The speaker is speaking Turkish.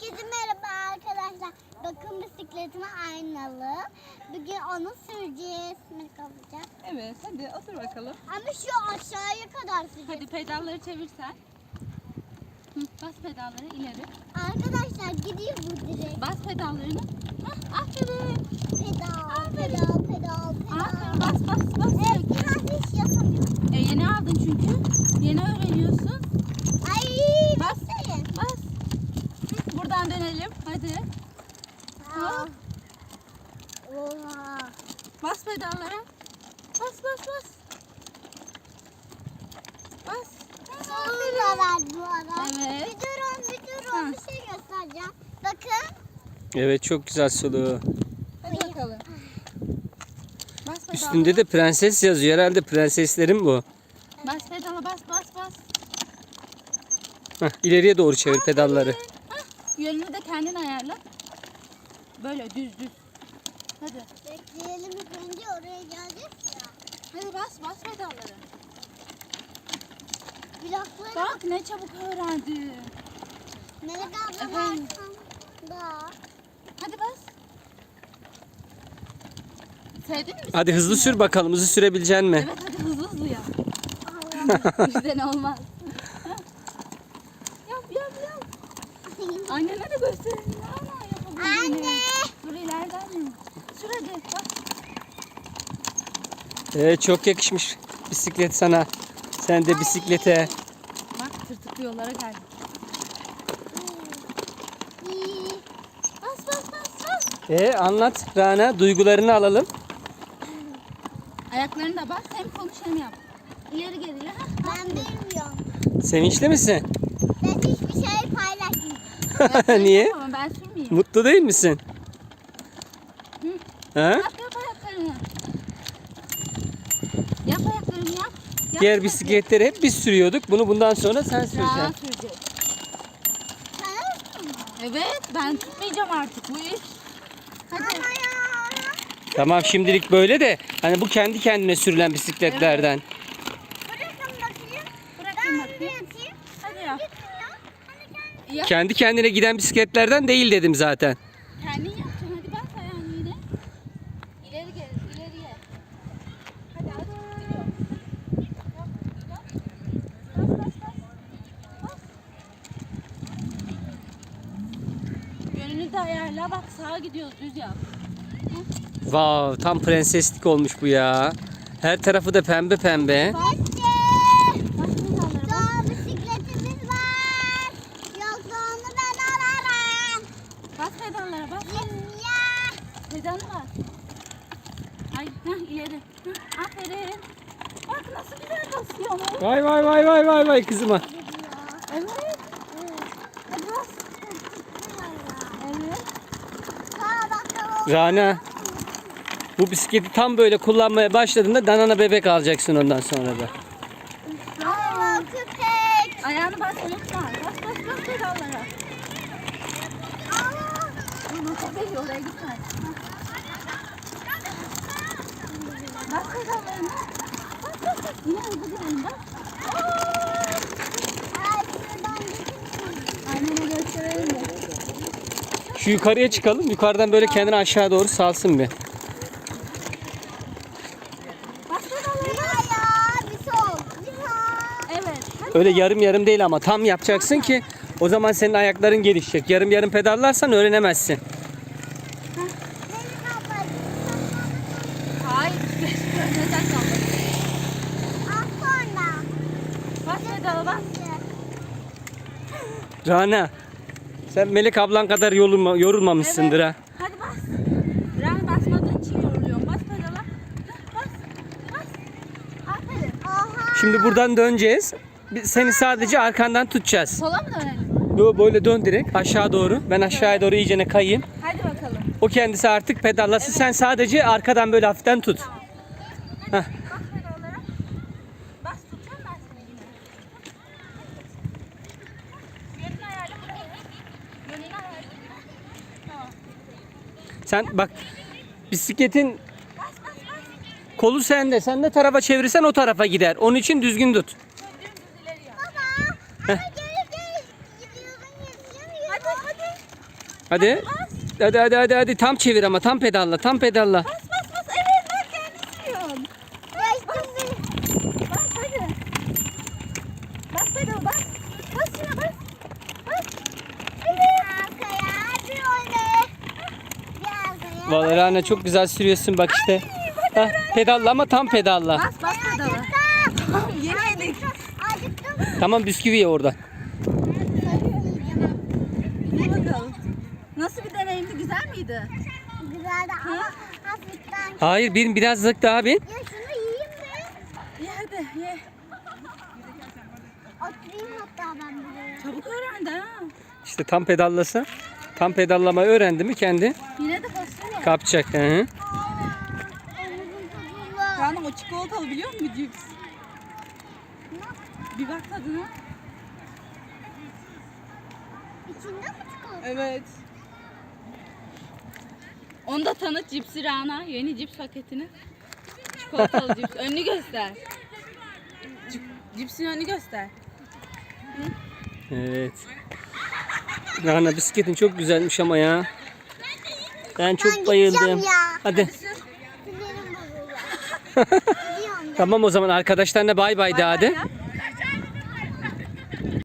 Herkese merhaba arkadaşlar. Bakın bisikletime aynalı. Bugün onu süreceğiz. Melek alacak. Evet, hadi otur bakalım. Ama şu aşağıya kadar süreceğiz. Hadi pedalları çevirsen. Bas pedalları ileri. Arkadaşlar gidiyor bu direkt. Bas pedallarını. Aferin. Pedal, pedal, pedal, pedal. Aferin, bas. Biraz hiç yapamıyorum. Yeni aldın çünkü. Yeni öğreniyorsun. Ay, Bas. bekleyin. Bas. Buradan dönelim. Hadi. Aa. Oha. Bas pedallara. Bas. Bas. Sonunda verdi bu ara. Evet. Bir durun. Bir şey göstereceğim. Bakın. Evet, çok güzel sulu. Hadi bakalım. Bas pedallara. Üstünde de prenses yazıyor. Herhalde prenseslerin bu. Bas pedala bas. Heh, ileriye doğru çevir pedalları. Yönünü de kendin ayarla. Böyle düz. Hadi. Bekleyelim ilk önce oraya geleceğiz ya. Hadi bas pedalları. Blokları Bak ne çabuk öğrendi. Melek abla Efendim? arkamda. Hadi bas. Sevdin mi? Hadi hızlı sür bakalım. Hızlı sürebilecek mi? Evet hadi hızlı ya. Bizden olmaz. Yap. Annene de gösterelim. Ana yapabildiğini. Anne. Dur ileriden mi? Sür hadi bak. Evet, çok yakışmış bisiklet sana. Sen de bisiklete. Bak tırtıklı yollara geldik. İyi. Bas. Anlat Rana. Duygularını alalım. Ayaklarını da bas. Hem konuş hem yap. İleri geri. Ben bilmiyorum. Sevinçli misin? Ben hiçbir şey paylaşmayacağım. Niye? Ama ben sürmeyeyim. Mutlu değil misin? Ha? Yap ayaklarını. Yap ayaklarını yap. Diğer bisikletleri hep biz sürüyorduk. Bunu bundan sonra sen Rahat süreceksin. sürecek. Sen Evet ben tutmayacağım artık bu iş. Hadi. ama ya. Tamam, şimdilik böyle de. Hani bu kendi kendine sürülen bisikletlerden. Bırakın bakayım. Bırakayım Ben bir bakayım. atayım. Hadi yap. Gitmiyor. Hani kendi Yap. Kendi kendine giden bisikletlerden değil dedim zaten. Kendin yapacaksın. Hadi bas ayağını yine. İleri gel. İleriye. Hadi gidiyor. Yap. Bas. Yönünü de ayarla. Bak sağa gidiyoruz. Düz yap. Vav, tam prenseslik olmuş bu ya. Her tarafı da pembe. Bas pedallara bas. Daha bisikletimiz var. Yoksa onu ben alırım. Bas pedallara bas. Ya. Pedalı bas. Ay ileri. Aferin. Bak nasıl güzel basıyor. Vay kızıma. Evet. Hadi bas. Evet. Aa bakalım. Rana, bu bisikleti tam böyle kullanmaya başladığında danana bebek alacaksın ondan sonra da. Aa köpek. Ayağını bas unutma. Bas pedallara. Aa. Bunu köpek oraya gitmez. Bas pedallarını. Bas. Yine hızlı gidelim bak. Ay şuradan geçin. Annene gösterelim de. Şu yukarıya çıkalım. Yukarıdan böyle kendini aşağı doğru salsın bir. Bas pedallarını. Ya bir sol. Bir sol. Evet. Hadi. Öyle yarım değil ama tam yapacaksın ki o zaman senin ayakların gelişecek. Yarım pedallarsan öğrenemezsin. Melek abla. Hayır. Neden kaldın? Az sonra. Bas pedala bas. Rana, sen Melek ablan kadar yorulmamışsındır ha. Hadi bas. Fren basmadığın için yoruluyorum. Bas pedala. Bas. Aferin. Oha. Şimdi buradan döneceğiz. Biz seni sadece arkandan tutacağız. Sola mı dönelim? Böyle dön direkt aşağı doğru. Ben aşağıya doğru iyicene kayayım. Hadi bakalım. O kendisi artık pedallasın. Sen sadece arkadan böyle hafiften tut. Heh. Bas pedallara. Bas tutacağım ben seni yine. Yönünü ayarla buraya. Yönünü ayarla. Tamam. Sen bak, bisikletin kolu sende. Sen ne tarafa çevirirsen o tarafa gider. Onun için düzgün tut. Dümdüz ileri yap. Baba. Ama geri gidiyorsun. Hadi. Hadi. Hadi tam çevir ama tam pedalla tam pedalla. Bas bas bas. Evet bak kendin sürüyorsun. Geçtim beni. Bas hadi. Bas pedal bas. Bas şuna bas. Bas. Bir arkaya, bir öne. Bir arkaya. Vallahi Rana çok güzel sürüyorsun bak işte. Hah, pedalla ama tam pedalla. Bas bas pedala. Acıktım. Yemedik. Acıktım. Tamam bisküvi ye orada. Hadi bakalım. Nasıl bir deneyimdi? Güzel miydi? Güzeldi ama hafiften. Hayır birazcık daha bin. Ya şunu yiyeyim mi? Ye hadi ye. Oturayım hatta ben buraya. Çabuk öğrendi ha. İşte tam pedallasa. Tam pedallamayı öğrendi mi kendi Yine de basıyor. kapacak. Hı -hı. Omuzum tutuldu. Canım o çikolatalı biliyor musun cips? Bir bak tadına. İçinde mi çikolata? Evet. Onu da tanıt cipsi Rana. Yeni cips paketini. Çikolatalı cips. Önünü göster. Cipsin önünü göster. Evet. Rana bisikletin çok güzelmiş ama ya. Ben çok Ben bayıldım. gideceğim ya. Hadi. Sinirim bozuldu. Gidiyorum ben. Tamam o zaman arkadaşlarına bay bay de hadi. Yap.